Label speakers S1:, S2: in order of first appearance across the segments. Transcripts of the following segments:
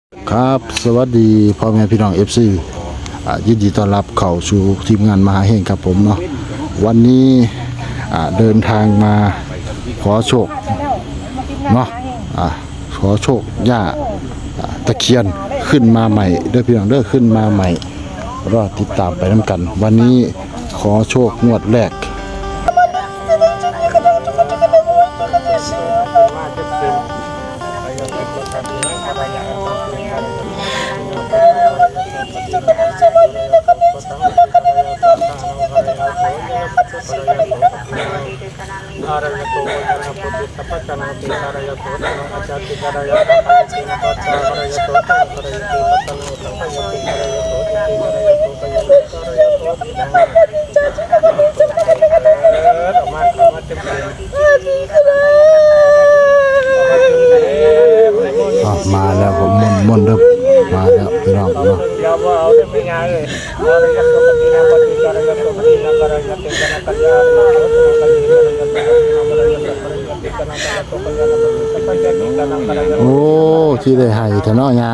S1: ครับสวัสดีพ่อแม่พี่น้อง FC ยินดีต้อนรับเข้าสู่ทีมงานมหาเฮงครับผมเนาะวันนี้เดินทางมาขอโชคเนาะขอโชคย่าตะเคียนขึ้นมาใหม่เด้อพี่น้องเด้อขึ้นมาใหม่รอติดตามไปน้ำกัน วันนี้ขอโชคงวดแรกมาแล้วผมมนเริ่มมาแล้วพี่น้องเนาะโอ้ที่ได้ให้เถอะเนาะยา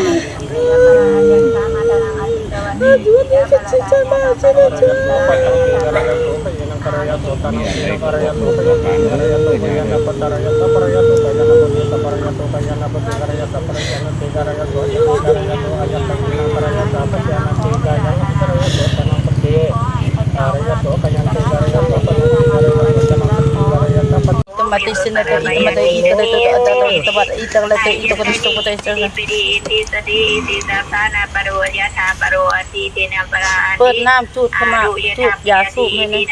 S2: mati sini ke itu mati itu tempat itu lagi itu kan itu mati ituเปิดน้ำจุดขมาจุดยาสูบให้นี่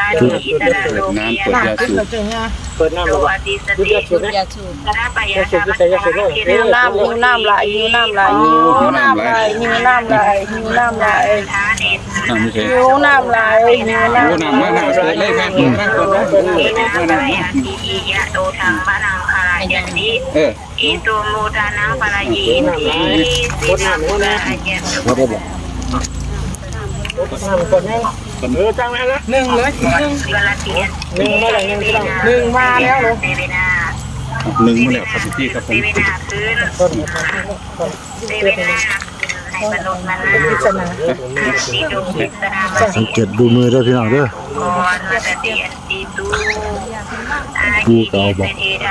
S2: เปิดน้ำจุดยาสูบหิวน้ำไหลหิวน้ำไหลหิวน้ำไหลหิวน้ำไหลหิวน้ำไหลหิวน้ำไหลหิวน้ำมาหนักเลยแม่ยะโตทังปะนังคารายันติอิโตโมทานังปะรายินติสินังปะรายันติจังแล้วนะหนึ่งเลยหนึ่งมาแล้วหนึ่งมาแล้วเหรอ
S3: หนึ่งมาแล้วครับพี่ครับผม
S1: สังเกตดูมือด้วยพี่น้องเด้อกูเก่าบอก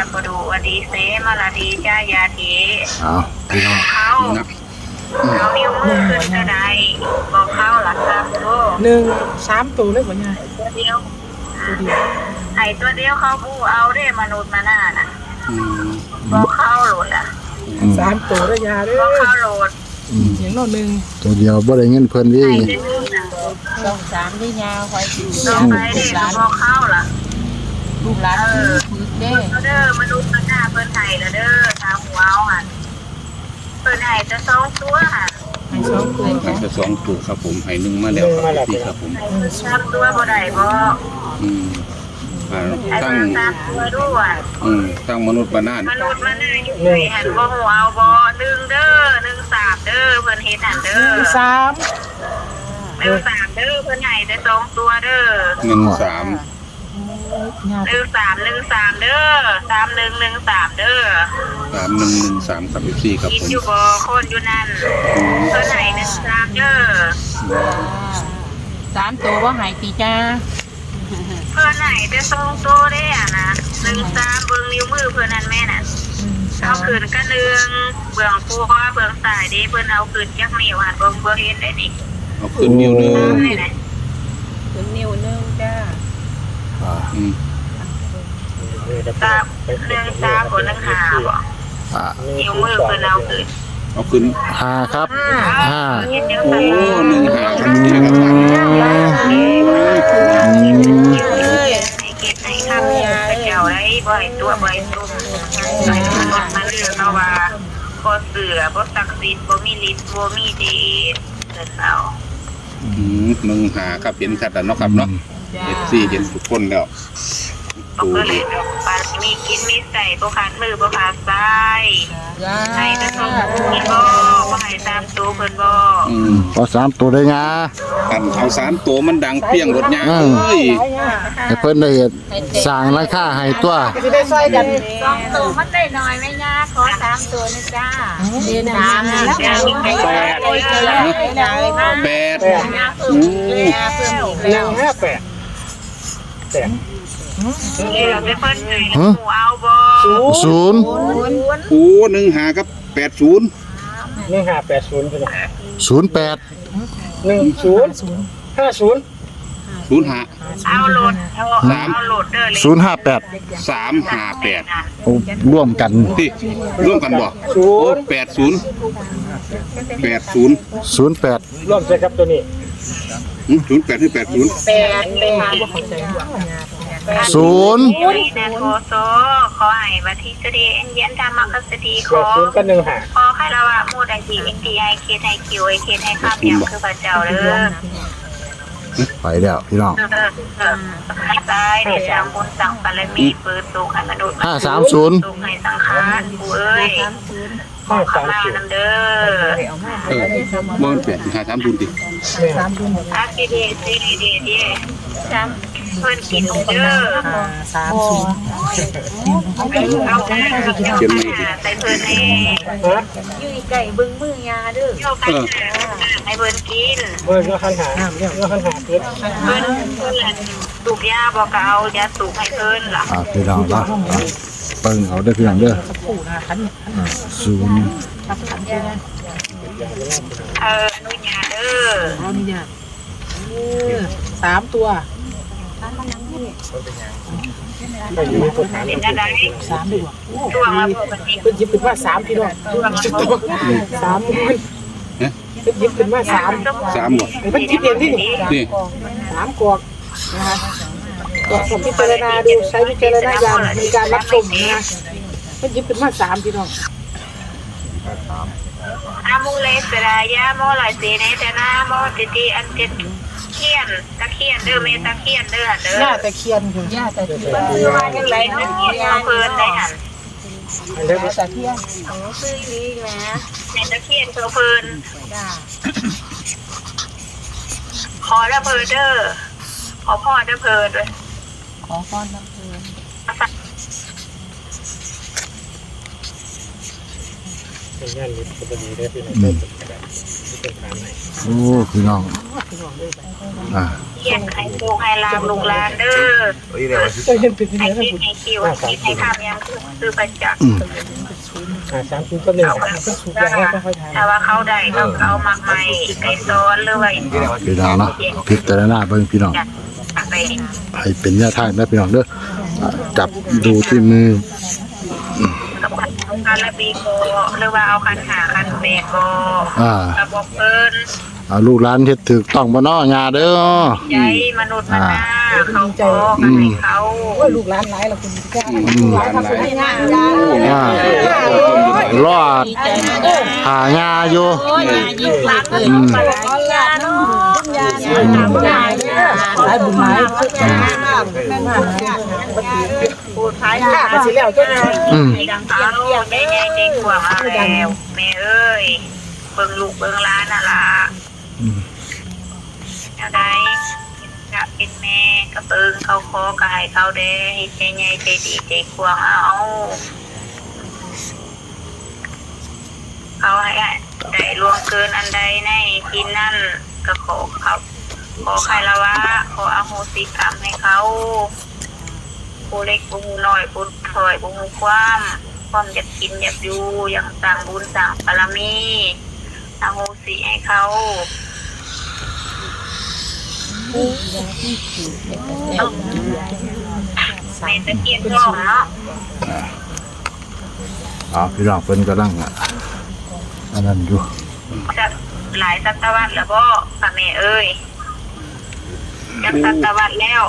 S1: พี่น้อง
S2: เอานิ้วมือขึ้นกระไดบอกเข้าหลักครับหนึ่งสามตัวเลยบ่เนี่ยตัวเดียวไอ้ตัวเดียวเขาผู้เอาได้มนุษย์มาหน้าน่ะบอกเข้าโหลดอ่ะสามตัวได้ยาด้วยบอกเข้าโหลดอย่างโน่นหนึ่ง
S1: ตัวเดียวบ่ได้เงินเพิ่นดิ
S2: สองสามได้ยาคอยต้องไปเด็กบอกเข้าล่ะลูกหลานเด้อมนุษย์มาหน้าเพิ่นไห้แล้วเด้อทางหัวเอาหันเปิดให้จะ2 ตัวค่ะให้2 ตัว
S3: จะ2 ตัวครับผมให้หนึ่งมาแล้วครับพี่ครับผม
S2: 3 ตัวบ่ได้บ่
S3: ตั้ง
S2: 3 ตัวด้วย
S3: ตั้งมนุษย์มานาน
S2: มนุษย์มาได้อยู่หันบ่ฮู้เอาบ่1เด้อ1 3เด้อเพิ่นเฮ็ดหั่นเด้อ1 3เด้อเพิ่นให้ได้2 ตัวเด้อ
S3: 1 3
S2: 1 3 1 3เด้อ3 1 1 3เด้อ
S3: 3 1 1 3ครับพี่ครับผม
S2: กินอยู่บ่คนอยู่นั่นเพิ่นให้1 3เด้อ3 ตัวบ่ให้ติจ้าเพิ่นให้ได้2 ตัวเด้อ่ะนะ1 3เบิ่งนิ้วมือเพิ่นนั่นแม่น่ะเอาขึ้นก็1เบื้องขวาเบื้องซ้ายเด้เพิ่นเอาขึ้นจักนิ้วหั่นบ่เห็นได้นี่
S3: เอาขึ้นนิ้วนึง
S2: ขึ้นนิ้วนึงจ้าตา1 3คน1 5บ่นิ้วมือเพิ่นเอาขึ้น
S1: 5ครับ5
S3: โอ้1 5ครับพี่ครับ
S2: เก็บให้ข้าวยาเจ้าได้บ่ให้ตัวบ่ให้ตุ้มใส่มนุษย์มาเลือกเอาว่าบ่เสือบ่ศักดิ์สิทธิ์บ่มีฤทธิ์บ่มีเดชเพิ่นเอา
S3: 1 5ครับเห็นชัดแล้วเนาะครับเนาะ FC เห็นทุกคนแล้ว
S2: ก็เลยปามีกินมีใส่บ่ขาดมือบ่ขาดซ้ายให้แต่ต้องเพิ่นบ่ให้ตามตัวเพิ่นบ่
S1: ขอ3ตัวได้งา
S3: กันเอา3ตัวมันดังเปี้ยงรถยางเอ้ย
S1: ให้เพิ่นได้สร้างราคาให้ตัว
S4: จะได้ช่วยกัน
S2: 2ตัวมันได้น้อยไหมย่าขอ3ตัวนะจ้าเดือน3แล้วย่ายิ่งให้8 เราไปเพิ่นให้หมูเอาบ่
S1: 0
S3: โอ้15กับ80
S4: 1580พี่น้อง
S1: 08
S4: 1050
S3: 05
S2: เอาโหลดเอาโหลดเด้อเลย
S1: 058
S3: 358
S1: โอ้ร่วมกัน
S3: ที่ร่วมกันบ่โอ้80
S1: 08
S4: ร่วมใช่ครับตัวนี้
S3: 08หรือ80
S1: 0
S2: แดนโคโซขอให้วัทิสดีเย็นธรรมกสดีขอ
S4: 80กัน15
S2: ขอให้ละว่ามูดไอทีเอ็นดีไอเคไอคิวไอเคไอข้ามอย่างคือพระเจ้าเด้อ
S1: ไปแล้วพี่น้อง
S2: ให้ตายเดี๋ยวสั่งบุญสั่งบารมีเปิดสุขให้มนุษย์
S1: 530
S2: สุขให้สังขารกูเอ้ยขอขมานํเด้อ
S3: บ่มัน8 530ติ
S2: อาคิเดซีดีดีจำเพิ่นกินเด้อเอาได้ใส่เพิ่นนี่อยู่ไก่บึ้งมือยาเด้ออยู่ไก่ให้เพิ่นกิน
S4: เบิ่งก็คันหาเกิด
S2: เพิ่นสูบยาบอกก็เอายาสูบให้เพิ่นล่ะ
S1: พี่น้องละเบิ่งเอาเด้อพี่น้องเด้อ0
S2: อนุญาตเด้อ
S5: 3 ตัว
S4: ไปอยู่ในตัวฐาน
S2: เป็นอะไร
S5: 3ดีกว่า
S2: ตัวมาเพิ่นกิน
S5: เพิ่นหยิบขึ้นมา3พี่น้อง3เพิ่นหยิบขึ้นมา3
S3: 3บ่
S5: เพิ่นหยิบเองที่นี่
S3: นี่
S5: 3กอกนะคะก็สมพิจารณาดูใช้วิจารณญาณในการรับชมนะคะเพิ่นหยิบขึ้นมา3พี่น้อง
S2: อามูเลสรายาโมลาสีในแต่นาโมติติอันเจ็ดเขียนตะเคียนเด้อเมตะเคียนเด้อเด้อ
S5: หน้าตะเคียนคือหน้าตะเคียน
S2: คือว่าจังไรตะเคียนเพิ่นได้หั่น
S4: อันเล็ก
S5: ตะเคียน
S2: ซื้อนี้แหมในตะเคียนเพิ่นขอแล้วเพิ่นเด้อขอพ่อเด้อเพิ่นด้วย
S5: ขอพรน้ำเพิ่น
S4: เป็นงานนี้ปกติได้พี่น้องเป็นฐานไหน
S1: โอ้พี่น้อง
S2: เขียนให้ลูกให้ลามลูกหลานเด้อ
S5: จะเห็นเป็นที่ไหน
S2: ให้
S5: นะ
S2: คิด
S5: คุณ
S2: ให้คิวให้ข้ามยังคือประจักษ์
S4: 30กัน1
S2: ถ้าว่าเขาได้เขาเอามากใหม่ไก่ซ้อนหรือว่า
S1: พี่น้องเนาะพิจารณาเบิ่งพี่น้อง
S2: ไป
S1: ให้เป็นแนวทางนะพี่น้องเด้อจับดูที่มือ
S2: กับคันละบีโกหรือว่าเอาคันหาคันแบกโกระบบเพิ่น
S1: เอาลูกหลานเฮ็ดถูกต้องบ่เนาะญาเด้อ
S2: ใจมนุษย์มนาเขาขอกันให้เขา
S5: ลูกหลานหลายละคุณจ้า
S3: หลานหลาย
S1: รอดหาญาอยู่
S2: ยิ่งรักเลยปรัญญาเนาะยา
S5: หลายบุญหลาย
S2: พูดท้ายค่ะ
S5: ก็สิแล้วจ้า
S2: ให้ดังเอาได้ไงเด็กกว่ามาแล้วแม่เอ้ยเบิ่งลูกเบิ่งหลานน่ะล่ะเอาได้จะเป็นแม่ก็เบิ่งเขาขอกายเขาเด้ให้ใจใหญ่ใจดีใจกว้างเอาเขาให้ได้ล่วงเกินอันใดในที่นั่นก็ขอเขาขอใครละวะขออโหสิกรรมให้เขาผู้เล็กผู้น้อยผู้ถอยผู้ความอยากกินอยากอยู่อยากสร้างบุญสร้างบารมีอโหสิให้เขาในตะเกียงทองเนาะ
S1: พี่น้องเพิ่นกำลังอันนั้นอยู่
S2: จะหลายศตวรรษแล้วบ่ค่ะแม่เอ้ยจักศตวรรษแล้ว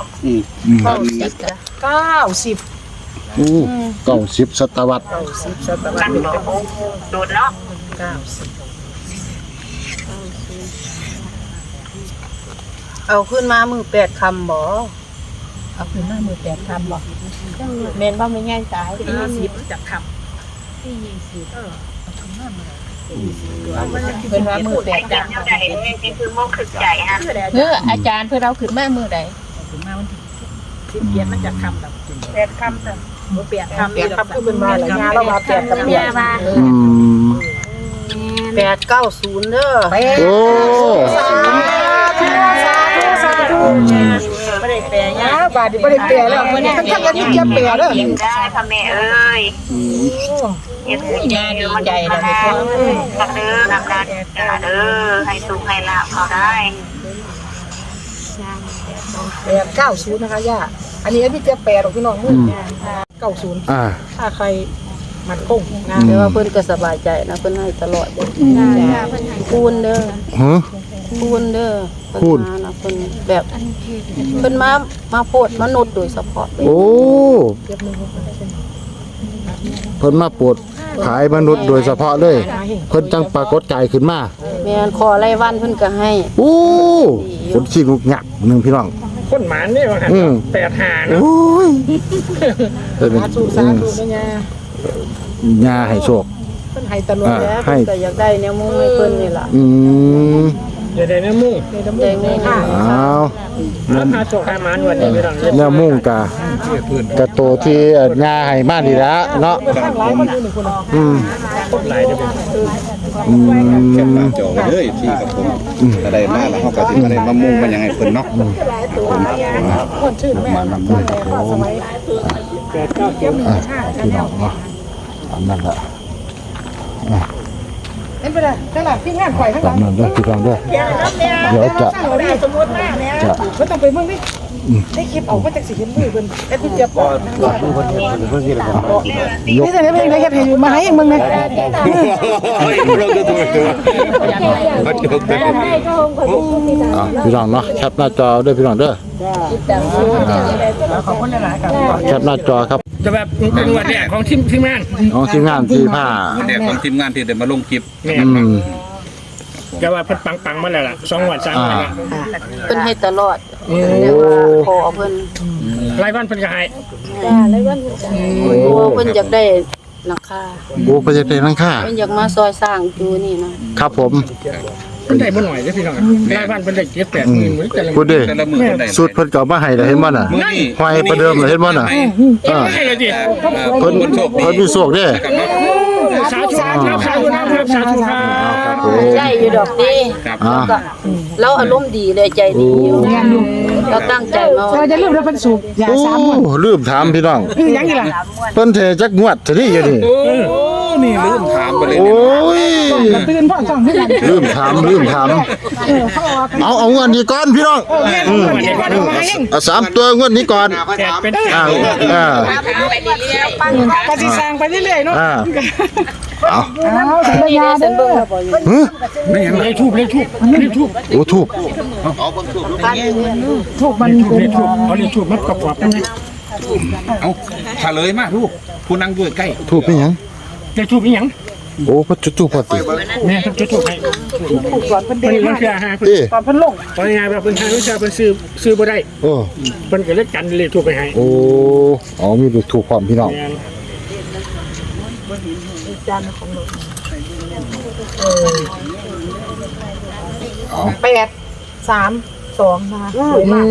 S5: 90
S1: โอ้90ศตวรรษ
S5: 90ศตวร
S2: กั
S5: ร
S2: น
S5: ษ
S2: บ่โดนเนาะ
S6: เอาขึ้นมามือ8 คำบ่
S5: เอาขึ้นมามือ8 คำบ่
S6: แม่นว่าไม่ง่ายตาย
S5: 20จักคำที่20เอาขึ้นมามือ
S6: เป็นว่ามือแปด
S2: จังเท่าใดเลยนี่คือโมกขึ้นใจฮะ
S6: เนื้ออาจารย์เพื่อเราขึ้นมามือใด
S5: เขียนมันจะคำแบบ
S2: แปดคำแต่
S5: เปลี่ยนคำคือเป็นมาหลายงานแล้วมาเปลี่ยนกับเปลี่ยน
S1: อืม
S6: 890เด้อ
S1: โอ้
S5: ไม่ได้แปลยากบาทไม่ได้แปลแล้วมันทั้งกันยิ่งจะแปลแล้ว
S2: ยิ้มได้พ่อแม่เอ้ยเอ็ดยาดีใจเลยพ่อตักเด้อนำนาเด้อให้สุขให้ลาบเขาได้
S5: 890นะคะย่าอันนี้พี่จะแปลหรอกพี่น้องมือ90
S1: อ่า
S5: ถ้าใครมันคงนะ
S6: แต่ว่าเพิ่นก็สบายใจนะเพิ่นให้ตลอดเด้อคูณเด้อ
S1: ฮะ
S6: คูณเด้อ
S1: คูณ
S6: เพิ่นมานะเพิ่นแบบเพิ่นมาโพดมนุษย์โดยเฉพาะเลย
S1: โอ้เพิ่นมาปวดขายมนุษย์โดยเฉพาะเลยเพิ่นจังปรากฏกายขึ้นมา
S6: แม่นขอรายวันเพิ่นก็ให้
S1: โอ้คนขี้งุกงักหนึงพี่น้อง
S4: คนหมานนี่ว่าหัน85เนาะ
S1: โอ้ยเพิ่น
S5: สาธุสาธุนะย่า
S1: ญาให้โชค
S5: เพิ่นให้ตลอด
S6: แล้ว
S1: ให้
S6: เพิ่นก็อยากได้แนวมุ้งให้เพิ่นนี่ล่ะ
S1: อืม
S4: อย่าได้น้ำมุ่ง
S6: ได้มุ้งค่ะ
S1: อ้าว
S4: แล้วพาโชคให้หมานวันนี้ไม่ต้องเล่น
S1: แนวมุ่งกะโตที่ญาให้มานี่ละเนาะ
S5: ข้างหลายคนอยู่หนึ่งคน
S1: อืม
S4: หลายเด้อ
S1: อื
S3: แคปห
S1: ม
S3: น้าจอไว้เลยที่กับผมถ้าได้มาแล้วเขาก็สิมาได้มามุ่งมันยังไงเพิ่นเนาะ
S5: คนชื่อแม่
S1: มานำด้วยครับผม
S5: สมัย
S1: อ่ะพี่น้องเนาะอันนั้นละ
S5: เห็นไปเลยนั่นแหละที่งานข่อยข้างห
S1: ตา
S5: ลั
S1: ม
S5: ง
S1: นั้นด้วยพี่น้องด้วยเดี๋ยวจะ
S5: สมมติว่าเนี่ย
S1: จะ
S5: ไม่ต้องไปเมืองนี่ได้คลิปออกมาจากสีเห็นมือเพิ่นแอดมินเจ็บปอด
S1: ยก
S5: นี่แต่ไม่เป็นไรเฮ็ดให้อยู่มาให้เองมึงเนี่ย
S3: เราจะตัวเขาจบเลย
S1: อ่ะพี่น้องเนาะแคปหน้าจอด้วยพี่น้องเด้อแคปหน้าจอครับ
S4: จะแบบเป็นวันแรกของทีมงาน
S1: น้องทีมงานที่ผ้า
S3: เด็กของทีมงานที่ได้มาลงคลิป
S4: แม่
S1: อืม
S4: ก็ว่าเพิ่นปังๆมาแล้วล่ะ2วัน3วันละ
S6: เพิ่นให้ตลอด
S1: โอ้
S6: ขอเพิ่น
S4: รายวันเพิ่นก็ให้
S6: เพราะว่าเพิ่นอยากได้หลังคา
S1: โหไปจะเป็นนังค่า
S6: เพิ่นอยากมาซอยสร้างอยู่นี่นะครับ
S1: ผม
S4: เพิ่นได้บ่หน่อยเด้อพี่น้องรายวันเพิ่นได้7-8,000มื้อแต่ละ
S1: พูดดิ
S3: แต่ละมือเพิ่นได้
S1: สุดเพิ่นก็เอามาให้แล้วเห็นบ่น่ะ
S3: มื้อนี้
S1: หอยประเดิมเลยเห็นบ่น่ะ
S4: มื้อให้เลยดิ
S1: เพิ่น
S3: โชคดี
S1: เพิ่นมีโชคเด้
S3: ครับเนาะ
S4: สาธุครับสาธุครับสาธุครับ
S1: ครับผม
S6: ได้อยู่ดอกดี
S3: ครับ
S1: อ่า
S6: ก็เราอารมณ์ดีเลยใจดีอยู่เราตั้งใจมา
S5: เราจะลืมแล้วเพิ่นสูบยา
S1: โอ้
S5: 3มื้อ
S1: ลืมถามพี่น้อง
S5: ยังอีกล่ะ
S1: เพิ่นเทจักงวดซะนี่อยู่นี่
S3: โอ้นี่ลืมถามไปเลย
S1: โอ้
S3: เนี่ย
S1: ย
S5: ตื่นพ่อจ้องที่นั่น
S1: ลืมถาม
S5: เขาออก
S1: เอางวดนี้ก่อนพี่น้องเอาสามตัวงวดนี้ก่อน
S4: แจกเป็น
S1: อ่าอ่า
S5: ก็สิสร้างไปเรื่อยๆเนาะ
S1: อ่าเอา
S5: เอาสัญ
S6: นี่
S5: ญา
S6: ได้
S5: เด้
S6: เส้นเบิ่ง
S5: อ
S6: แล้วบ่อยู่
S1: ฮึ
S4: เลขทูบ
S1: โอ้ถูก
S5: ถูกมัน
S4: เลขทูบเอาเลขทูบมาประกอบกันนะ
S3: เอาเฉลยมาลูกผู้นั่งด้วยใกล้
S1: ถูกเป็นหยัง
S4: เลขทูบอีหยัง
S1: โอ้พระจุจุพอติ
S4: แม่จะทูบให้
S5: ถูกก่อนเพิ่น
S4: เพิ่
S5: เด้
S4: น
S5: ง
S4: มันคือหาเพิ่น
S1: เอ้
S5: ก่อนเพิ่นลง
S4: ตอนงานแบบเพิ่นหาวิชาเพิ่นซื้อบ่ได้
S1: โอ้
S4: เพิ่นก็เลยกันเลขทูบไปให้
S1: โอ้อ๋อมีถูกความพี่น้อง
S4: แม่น
S5: 832นะคะสวยมาก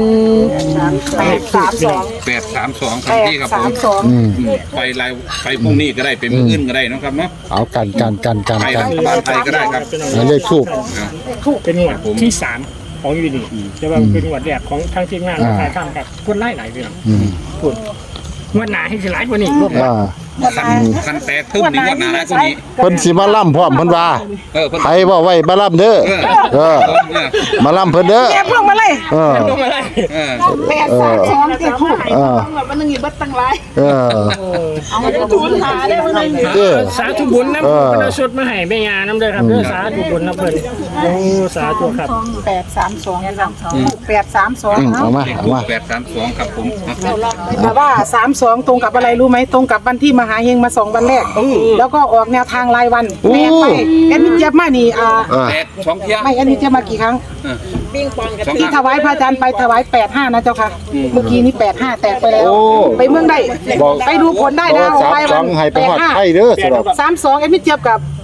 S5: 832
S3: 832ครับพี่ครับผม
S5: 832
S1: อืม
S3: ไปไลน์ไปพรุ่งนี้ก็ได้เป็นมื้ออื่นก็ได้เนาะครับเนาะ
S1: เอากัน
S3: ไปรัฐบาลไทยก็ได้ครับ
S1: เลขทูบ
S4: เป็นงวดที่3ของอยู่นี่แต่ว่าเป็นงวดแรกของทางทีมงานถ่ายทำกับคนไล่หลายเรื่อง
S1: อืม
S4: พูดงวดหน้าให้สิหลายกว่านี้
S1: อ่า
S3: คันแตกทึ่มนี่ว่าหนาแล้วคนนี้
S1: เพิ่นสิมาล่ำพร้อมเพิ่นว่า
S3: เพิ่น
S1: ใครบ่ไว้มาล่ำเด้อเออมาล่ำเพิ่นเด้อ
S5: แกพวกมาเลย
S1: เออ
S4: ลงอะไร
S5: 832ติดคู่
S1: เออ
S5: มันนึงอีบัดตั้งหลาย
S1: เออ
S5: เอามาทุนหาได้มันนึง
S1: เด้อ
S4: สาธุบุญน้ำเพิ่นเอาชุดมาให้แม่ยาน้ำเด้อครับเด้อสาธุบุญน้ำเพิ่นโอ้สาธุครับ
S5: 832
S1: เอามา
S3: 832ครับผม
S5: แต่ว่า32ตรงกับอะไรรู้ไหมตรงกับวันที่มหาเฮงมา2วันแรกแล้วก็ออกแนวทางรายวันแม่ไปแอดมินเจี๊ยบมานี่
S1: เออ
S3: แตก2เที่ย
S5: ไม่แอดมินเจี๊ยบมากี่ครั้ง
S3: สอง
S5: ที่ถวายพระอาจารย์ไปถวาย85นะเจ้าค่ะเมื่อกี้นี้85แตกไปแล้ว ไปเมืองได้ไปดูผลได้นะ
S1: 32ให้ไปฮอดไทยเด้อสำหรับ
S5: 32แอดมินเจี๊ยบกับ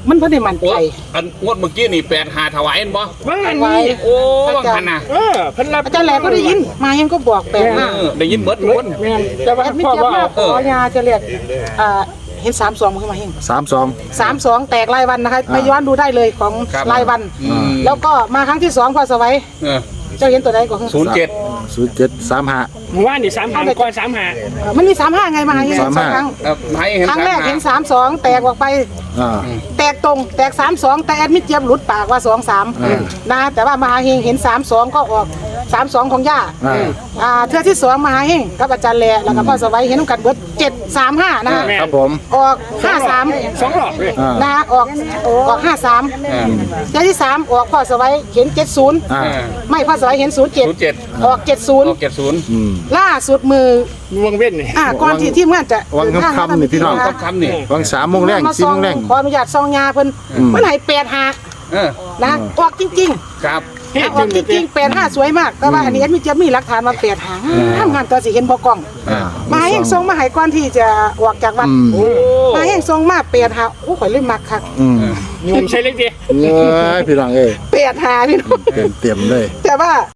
S5: มันเพิ่นได้มั่น
S3: โอ้
S5: ใจ
S3: อันงวดเมื่อกี้นี่8-5ถวายเห็นบ่
S4: ว่าอัน
S5: ไว้
S4: นี้
S3: โอ้ว่าหันน่ะ
S4: เพิ่นรับ
S5: อาจารย์แหลกก็ได้ยินมาเห็นก็บอกแปลว่า
S3: ได้ยินเบิดทุกคน
S4: แม่นแต่ว่า
S5: แอดมิ
S4: พ่อ
S5: เจี๊ยบ
S4: ว่า
S5: มาขอยาจะเรียกเห็น32ขึ้นมาเฮง
S1: 32
S5: 32แตกรายวันนะคะไปย้อนดูได้เลยของรายวัน แล้วก็มาครั้งที่2พอสวัย
S3: เออ
S5: เจ้าเห็นตัวใดก่อน
S3: 07
S1: 0735
S4: หมู่บ้านนี่3ก่อน35
S5: มันมี35ไงมาเห็นสองครั้ง
S3: ให้เห็น
S5: ครั้งแรกเห็น32แตกออกไป
S1: อ่า
S5: แตกตรงแตก32แต่แอดมิดเจี๊ยบหลุดปากว่า23นะแต่ว่ามหาเฮงเห็น32ก็ออก32ของย่าเทื่อที่2มหาเฮงกับอาจารย์แลแล้วก็พ่อสวัยเห็นกันเบิด735นะฮะ
S1: ครับผม
S5: ออก53
S4: 2รอบเลย
S5: นะออก53เทื่อที่3ออกพ่อสวัยเห็น70ไม่พ่อสวัยเห็น07ออก70ล่าสุดมือ
S4: วงเว้นนี่
S5: ก่อนที่ทีมงานจะ
S1: วังค่ำๆนี่พี่น้อง
S3: คำนี่
S1: วัง3 โมงแรง
S5: มา
S1: 4 โมงแรง
S5: ขออนุญาตซองยาเพิ่นมันให้85นะออกจริงๆ
S3: ครับ
S5: ออกจริงๆ85สวยมากแต่ว่าอันนี้แอดมินจะมีหลักฐานมา85ทำงานตัวสิเห็นบ่กล้องมาให้ส่งมาให้ก่อนที่จะออกจากวัดมาให้ส่งมา85โอ้ข่อยเลยมักคัก
S4: ยุ่งใช่เล็กดิ
S1: เอ้ยพี่น้องเอ้ย
S5: 85พี่น้อง
S1: เต็มเลย
S5: แต่ว่า